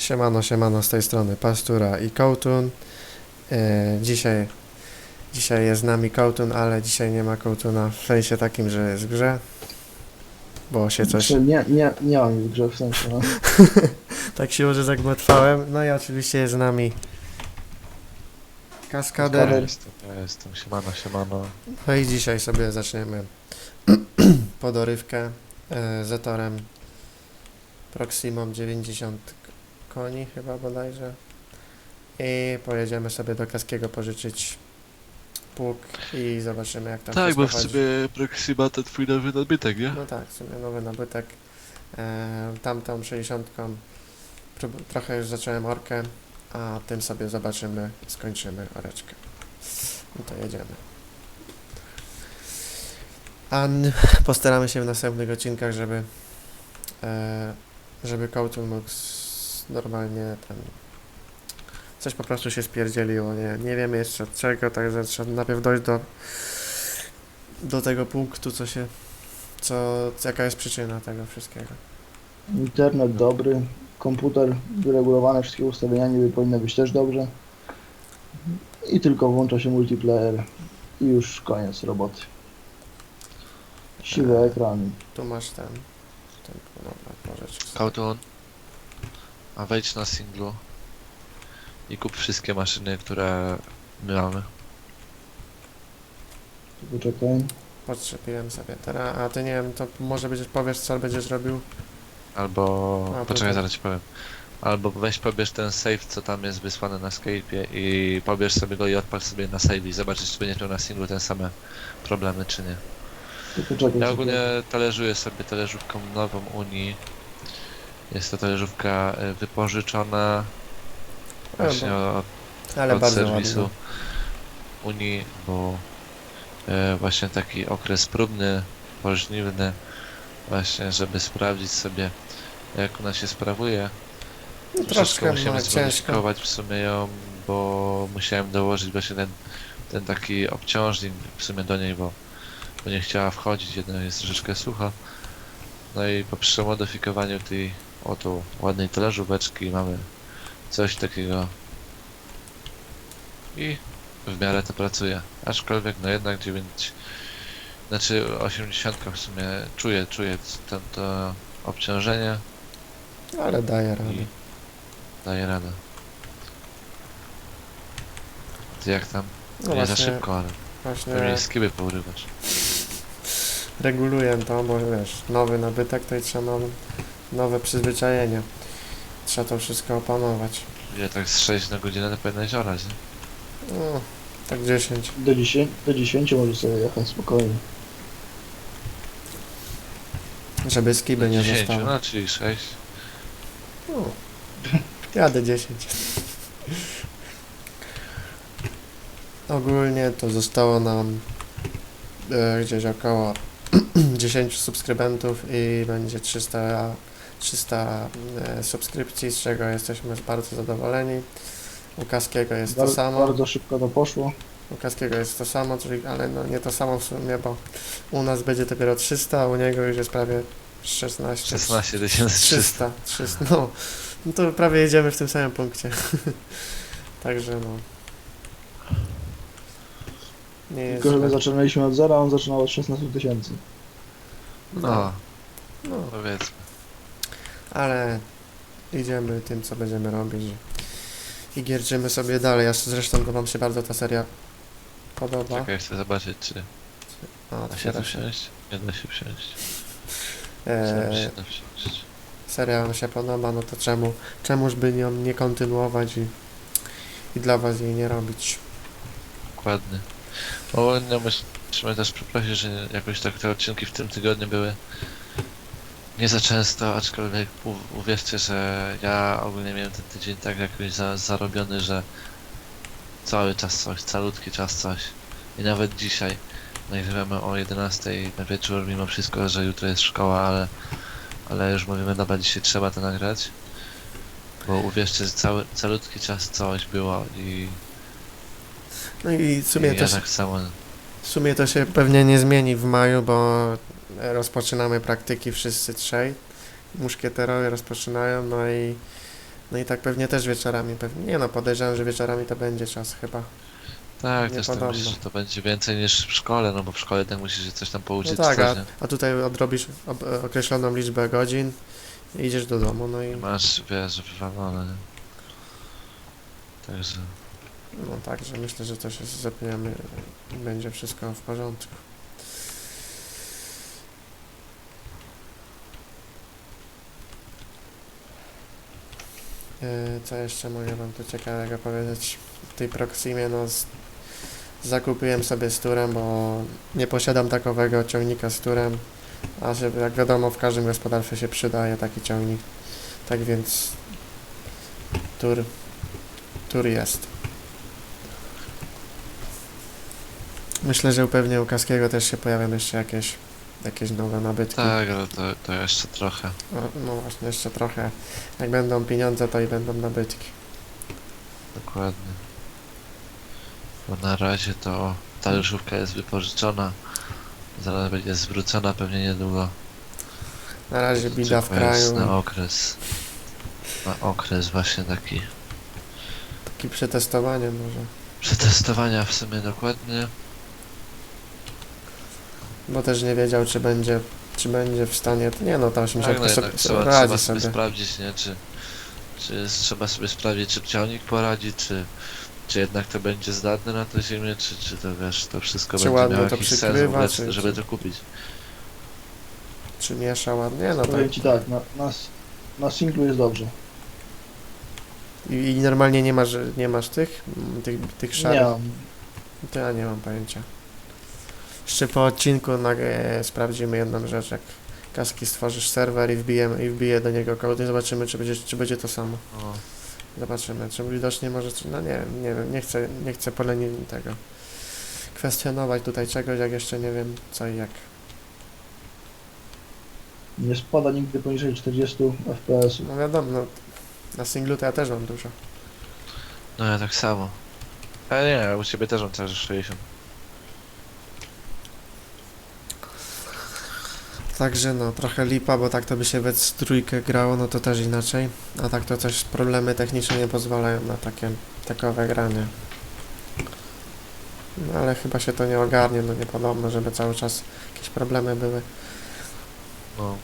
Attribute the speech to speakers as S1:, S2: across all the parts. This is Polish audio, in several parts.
S1: Siemano, siemano, z tej strony Pastura i Kołtun. Dzisiaj jest z nami Kołtun, ale dzisiaj nie ma Kołtuna w sensie takim, że jest w grze, bo się coś...
S2: Znaczy, nie mam w grze w sensie, no.
S1: tak się może zagmatwałem. No i oczywiście jest z nami Kaskader.
S2: Kaskader.
S3: Jestem, siemano.
S1: No i dzisiaj sobie zaczniemy podorywkę Zetorem Proximą 90 koni chyba bodajże. I pojedziemy sobie do Kaskiego pożyczyć pług i zobaczymy jak tam
S3: Tak,
S1: wszystko
S3: bo w
S1: chodzi.
S3: sobie Proxima to twój nowy nadbytek, nie?
S1: No tak, w sumie nowy nabytek. Tamtą 60 trochę już zacząłem orkę, a tym sobie zobaczymy, skończymy oreczkę. No to jedziemy. Postaramy się w następnych odcinkach, żeby Kołtun mógł normalnie ten coś po prostu się spierdzieliło, nie wiemy jeszcze od czego, także trzeba najpierw dojść do tego punktu, jaka jest przyczyna tego wszystkiego.
S2: Internet dobry, komputer wyregulowany, wszystkie ustawienia niby powinny być też dobrze. I tylko włącza się multiplayer i już koniec roboty. Siwy ekran.
S1: Tu masz ten dobra, pożycz.
S3: Kołtun, a wejdź na singlu i kup wszystkie maszyny, które my mamy.
S2: Poczekaj.
S1: Podczepiłem sobie teraz, a ty nie wiem, to może powiesz co będziesz robił?
S3: Albo...
S1: A, to
S3: Poczekaj,
S1: tak.
S3: zaraz ci powiem. Albo weź pobierz ten save, co tam jest wysłany na Skype'ie i pobierz sobie go i odpal sobie na save i zobaczysz, czy będziesz miał na singlu te same problemy, czy nie.
S2: To poczekaj.
S3: Ja
S2: sobie.
S3: ogólnie talerzuję sobie talerzówką nową Unii. Jest to talerzówka wypożyczona właśnie
S1: Ale
S3: od
S1: bardzo
S3: serwisu
S1: ładnie.
S3: Unii, bo właśnie taki okres próbny, pożniwny, właśnie żeby sprawdzić sobie jak ona się sprawuje.
S1: No,
S3: Troszeczkę
S1: troszkę
S3: musimy
S1: ciężko.
S3: zweryfikować w sumie ją, bo musiałem dołożyć właśnie ten taki obciążnik w sumie do niej, bo nie chciała wchodzić, jedna jest troszeczkę sucha. No i po przemodyfikowaniu tej oto ładnej talerzóweczki mamy coś takiego i w miarę to pracuje. Aczkolwiek no jednak 80 w sumie czuję to obciążenie
S1: Ale daje radę.
S3: i daje radę. Ty jak tam?
S1: No
S3: Nie za
S1: właśnie,
S3: szybko, ale pewnie
S1: właśnie
S3: skiby pourywasz.
S1: reguluję to, bo wiesz, nowy nabytek to i trzeba nowe przyzwyczajenia. Trzeba to wszystko opanować.
S3: Ile tak z 6 na godzinę to powinnaś orać, nie?
S1: No, tak 10.
S2: Do 10 możesz sobie jechać spokojnie.
S1: Żeby skiby nie
S3: 10,
S1: zostały.
S3: no czyli 6.
S1: No, jadę 10. Ogólnie to zostało nam gdzieś około 10 subskrybentów i będzie 300 subskrypcji, z czego jesteśmy bardzo zadowoleni. U Kaskiego jest to samo.
S2: Bardzo szybko to poszło.
S1: U Kaskiego jest to samo, czyli, ale no nie to samo w sumie, bo u nas będzie dopiero 300, a u niego już jest prawie 16.
S3: 16
S1: 300. No to prawie jedziemy w tym samym punkcie. Także no. Nie jest
S2: Tylko, że my
S1: źle.
S2: zaczynaliśmy od zera, a on zaczynał od 16 000.
S3: No,
S1: No,
S3: powiedzmy.
S1: ale idziemy tym, co będziemy robić i gierczymy sobie dalej. Zresztą to wam się bardzo ta seria podoba.
S3: Czekaj, chcę zobaczyć, czy
S1: O,
S3: da się
S1: otwiera
S3: tu
S1: się.
S3: wsiąść. Nie da się wsiąść.
S1: Eee,
S3: Da wsiąść.
S1: seria wam się podoba, no to czemuż by nią nie kontynuować i dla was jej nie robić.
S3: Dokładnie. Ogólnie musimy też przeprosić, że jakoś tak te odcinki w tym tygodniu były nie za często, aczkolwiek uwierzcie, że ja ogólnie miałem ten tydzień tak jakoś zarobiony, że cały czas coś, calutki czas coś. I nawet dzisiaj nagrywamy o 11 na wieczór, mimo wszystko, że jutro jest szkoła, ale już mówimy, dobra, dzisiaj trzeba to nagrać. Bo uwierzcie, że calutki czas coś było i
S1: No i w sumie,
S3: ja tak samo.
S1: w sumie to się pewnie nie zmieni w maju, bo rozpoczynamy praktyki wszyscy trzej. Muszkieterowie rozpoczynają, no i No i tak pewnie też wieczorami, pewnie, nie no, podejrzewam, że wieczorami to będzie czas chyba.
S3: Tak,
S1: Nie
S3: też tak
S1: podobno.
S3: myślę, że to będzie więcej niż w szkole, no bo w szkole tak musisz się coś tam
S1: No
S3: pouczyć,
S1: tak,
S3: coś, nie?
S1: a tutaj odrobisz określoną liczbę godzin i idziesz do domu, no
S3: I
S1: i
S3: masz, wiesz, wywalone, nie? Także,
S1: no także myślę, że to się zepniemy i będzie wszystko w porządku. Co jeszcze mogę wam tu ciekawego powiedzieć? W tej Proximie, no zakupiłem sobie z turem, bo nie posiadam takowego ciągnika z turem, a że jak wiadomo w każdym gospodarstwie się przydaje taki ciągnik. Tak więc tur jest. Myślę, że pewnie u Kaskiego też się pojawią jeszcze jakieś nowe nabytki.
S3: tak, ale to jeszcze trochę.
S1: No właśnie, jeszcze trochę. Jak będą pieniądze, to i będą nabytki.
S3: Dokładnie. Bo na razie to ta ryżówka jest wypożyczona. Zaraz będzie zwrócona pewnie niedługo.
S1: Na razie bida w
S3: Tylko jest
S1: kraju.
S3: na okres. Na okres właśnie taki
S1: Takie przetestowanie może.
S3: przetestowania w sumie dokładnie.
S1: Bo też nie wiedział, czy będzie w stanie. Nie no, ta 80
S3: Tak, no
S1: sobie,
S3: jednak
S1: sobie
S3: trzeba
S1: radzi
S3: sobie
S1: sobie.
S3: sprawdzić, nie? Trzeba sobie sprawdzić, czy ciągnik poradzi, czy jednak to będzie zdatne na tę ziemię, czy to wiesz, to wszystko
S1: Czy
S3: będzie
S1: ładnie
S3: miało
S1: to
S3: jakiś sens w
S1: przykrywa,
S3: ogóle,
S1: czy-
S3: żeby
S1: czy-
S3: to kupić.
S1: Czy miesza ładnie? No
S2: Powiem
S1: tak.
S2: ci tak, na singlu jest dobrze.
S1: I normalnie nie masz tych
S2: Nie
S1: szarych.
S2: mam.
S1: To ja nie mam pojęcia. Jeszcze po odcinku sprawdzimy jedną rzecz, jak Kaski stworzysz serwer i wbije do niego kod i zobaczymy, czy będzie to samo.
S3: No,
S1: Zobaczymy, czy widocznie może, no nie wiem, nie chcę tego kwestionować tutaj czegoś, jak jeszcze nie wiem co i jak.
S2: Nie spada nigdy poniżej 40 fps.
S1: No wiadomo, no, na singlu to ja też mam dużo.
S3: no ja tak samo. Ale nie, u ciebie też mam cały czas 60.
S1: Także no, trochę lipa, bo tak to by się we trójkę grało, no to też inaczej. A tak to coś, problemy techniczne nie pozwalają na takowe granie. No ale chyba się to nie ogarnie, no nie podobno, żeby cały czas jakieś problemy były.
S3: No.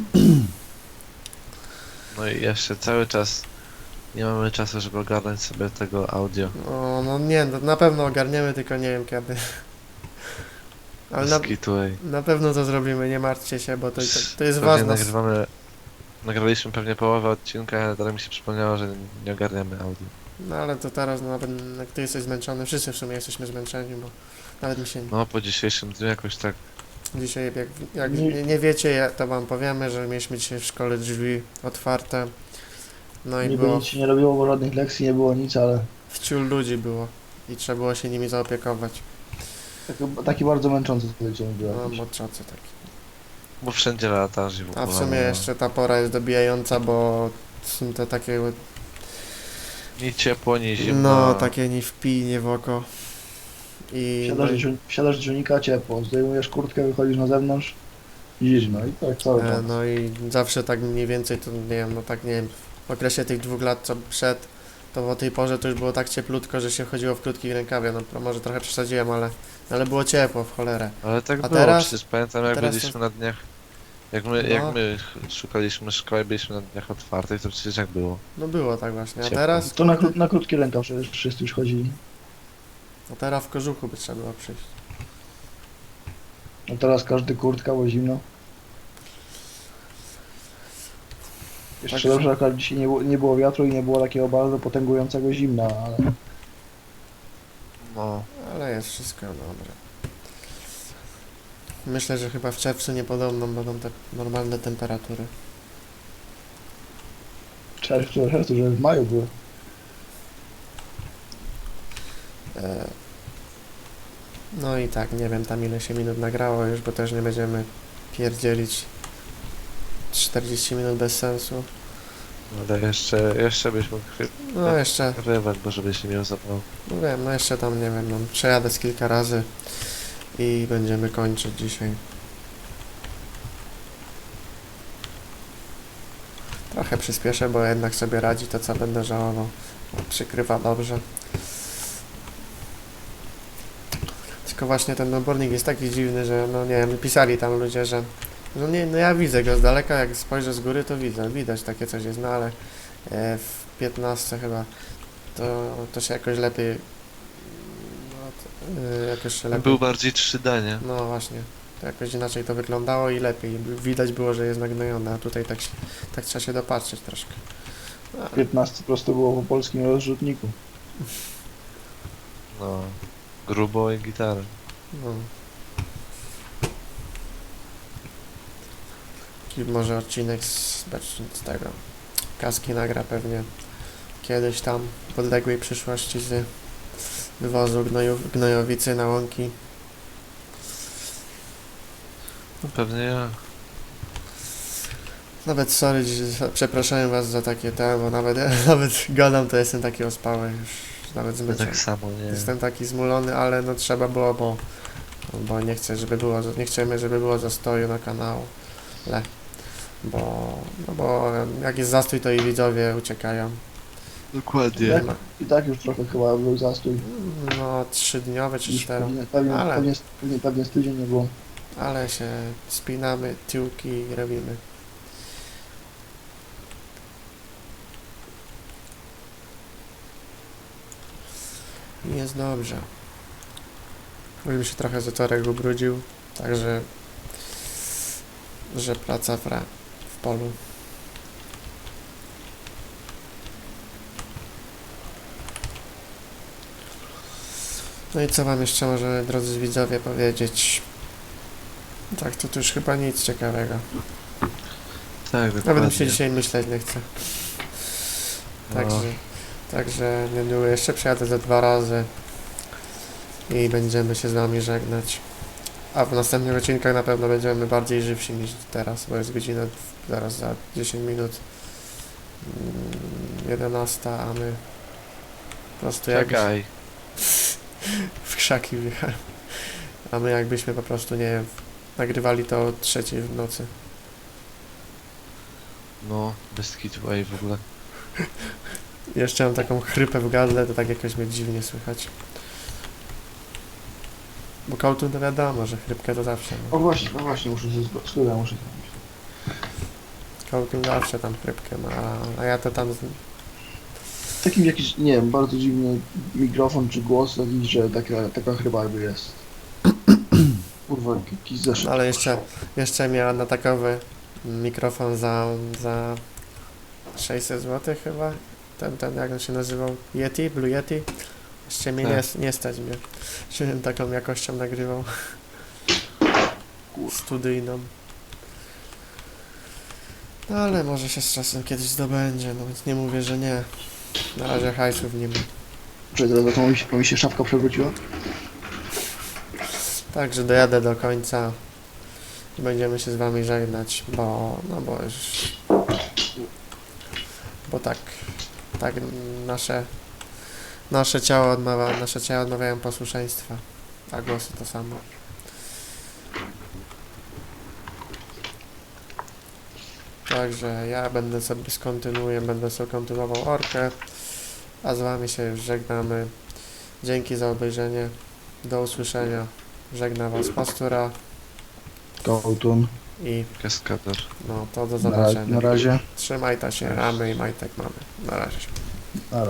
S3: No i jeszcze cały czas nie mamy czasu, żeby ogarnąć sobie tego audio.
S1: No nie, no, na pewno ogarniemy, tylko nie wiem kiedy. Ale
S3: Bez kitu, ej.
S1: na pewno to zrobimy, nie martwcie się, bo to jest
S3: Pewnie
S1: ważne.
S3: nagraliśmy pewnie połowę odcinka, ale teraz mi się przypomniało, że nie ogarniamy audio.
S1: No ale to teraz, no, nawet jak ty jesteś zmęczony, wszyscy w sumie jesteśmy zmęczeni, bo nawet mi się
S3: No po dzisiejszym dniu jakoś tak,
S1: dzisiaj, jak nie wiecie, to wam powiemy, że mieliśmy dzisiaj w szkole drzwi otwarte. No i
S2: Niby
S1: było,
S2: nic się nie robiło, bo żadnych lekcji nie było nic, ale
S1: wciul ludzi było i trzeba było się nimi zaopiekować.
S2: taki bardzo męczący dzień był.
S1: No,
S2: jakiś.
S1: moczacy taki.
S3: bo wszędzie latasz i w ogóle.
S1: A w sumie
S3: no.
S1: jeszcze ta pora jest dobijająca, bo są te takie,
S3: Ni ciepło, ni zimno.
S1: no, takie nie wpij, nie w oko. I
S2: Wsiadasz do silnika, ciepło, zdejmujesz kurtkę, wychodzisz na zewnątrz, zimno i tak cały czas.
S1: no i zawsze tak mniej więcej, to nie wiem, no tak nie wiem, w okresie tych 2 lat co przed, to o tej porze to już było tak cieplutko, że się chodziło w krótkich rękawie, no może trochę przesadziłem, ale było ciepło w cholerę.
S3: Ale tak
S1: A
S3: było,
S1: teraz-
S3: przecież pamiętam jak
S1: teraz
S3: byliśmy
S1: to-
S3: na dniach, jak
S1: No.
S3: my szukaliśmy szkoły, byliśmy na dniach otwartych, to przecież jak było.
S1: No było tak właśnie, a
S3: Ciepło.
S1: teraz,
S2: To na krótki rękaw przecież wszyscy już chodzili.
S1: teraz w kożuchu by trzeba było przyjść.
S2: A teraz każdy kurtka, bo zimno. Jeszcze
S1: Także-
S2: dobrze, akurat dzisiaj nie było wiatru i nie było takiego bardzo potęgującego zimna, ale
S3: No,
S1: Ale jest wszystko dobre. Myślę, że chyba w czerwcu niepodobno będą te normalne temperatury.
S2: czerwcu, że w maju były.
S1: No i tak, nie wiem tam ile się minut nagrało już, bo też nie będziemy pierdzielić 40 minut bez sensu.
S3: ale jeszcze byśmy
S1: No jeszcze,
S3: nagrywać, bo żebyś nie miał zapału.
S1: no wiem, no jeszcze tam nie wiem, no, przejadę z kilka razy i będziemy kończyć dzisiaj. trochę przyspieszę, bo jednak sobie radzi, to co będę żałował. Przykrywa dobrze. Tylko właśnie ten obornik jest taki dziwny, że no nie wiem, pisali tam ludzie, że no nie, no ja widzę go z daleka, jak spojrzę z góry to widzę, widać takie coś jest, no ale w 15 chyba to się jakoś lepiej jakoś się lepiej.
S3: Był bardziej 3D, nie?
S1: No właśnie, to jakoś inaczej to wyglądało i lepiej. Widać było, że jest nagnojone, a tutaj tak trzeba się dopatrzeć troszkę. No,
S2: 15 prosto było po polskim rozrzutniku.
S3: No. Grubo i gitarę.
S1: no. I może odcinek z tego kaski nagra pewnie kiedyś tam w odległej przyszłości z wywozu gnojowicy na łąki.
S3: No pewnie ja.
S1: Nawet sorry, przepraszam was za takie bo nawet gadam, to jestem taki ospały już, nawet
S3: To
S1: zmęczony.
S3: tak samo, nie?
S1: Jestem taki zmulony, ale no trzeba było, bo nie chcę, nie chcemy, żeby było zastoju na kanału. Bo jak jest zastój, to i widzowie uciekają.
S3: Dokładnie.
S2: Jak? I tak już trochę chyba był zastój.
S1: No 3-dniowe czy 4, Ale-
S2: Pewnie z tydzień nie było.
S1: ale się spinamy, tyłki i robimy. I jest dobrze. Bym się trochę zatorek ubrudził, także że praca w polu. No i co wam jeszcze może, drodzy widzowie, powiedzieć? Tak, to już chyba nic ciekawego.
S3: Tak,
S1: Nawet
S3: dokładnie.
S1: mi się dzisiaj myśleć nie chce.
S3: No.
S1: Także niedługo jeszcze przyjadę ze 2 razy i będziemy się z wami żegnać. A w następnych odcinkach na pewno będziemy bardziej żywsi niż teraz, bo jest godzina zaraz za 10 minut 11, a my po prostu jak
S3: Czekaj.
S1: w krzaki wjechałem. A my jakbyśmy po prostu, nie wiem, nagrywali to o 3 w nocy.
S3: No, bez kitu, ej, w ogóle.
S1: Jeszcze mam taką chrypę w gardle, to tak jakoś mnie dziwnie słychać. Bo kołtun to wiadomo, że chrypkę to zawsze. No.
S2: No właśnie, muszę się studia muszę zrobić.
S1: Kołtun zawsze tam chrypkę ma, a ja to tam...
S2: Takim jakiś, nie wiem, bardzo dziwny mikrofon czy głos taki, że taka chyba jakby jest. Kurwa, jakiś zeszyt.
S1: Ale jeszcze miała na takowy mikrofon za 600 zł chyba. Ten jak on się nazywał? Yeti? Blue Yeti? Jeszcze mnie
S3: Tak.
S1: nie stać mnie. Żebym taką jakością nagrywał. Studyjną. No ale może się z czasem kiedyś zdobędzie, no więc nie mówię, że nie. Na razie hajsów nie ma.
S2: Czy teraz to mi się szafka przewróciła?
S1: Także dojadę do końca i będziemy się z wami żegnać, bo tak nasze ciało odmawiają posłuszeństwa, a głosy to samo. Także ja będę sobie kontynuował orkę, a z wami się już żegnamy. Dzięki za obejrzenie. Do usłyszenia. Żegna was Pastura
S2: Kołtun.
S1: i
S3: Kaskader.
S1: no to do
S2: Na
S1: zobaczenia.
S2: razie.
S1: Trzymaj ta się, ramy i majtek mamy. Na razie.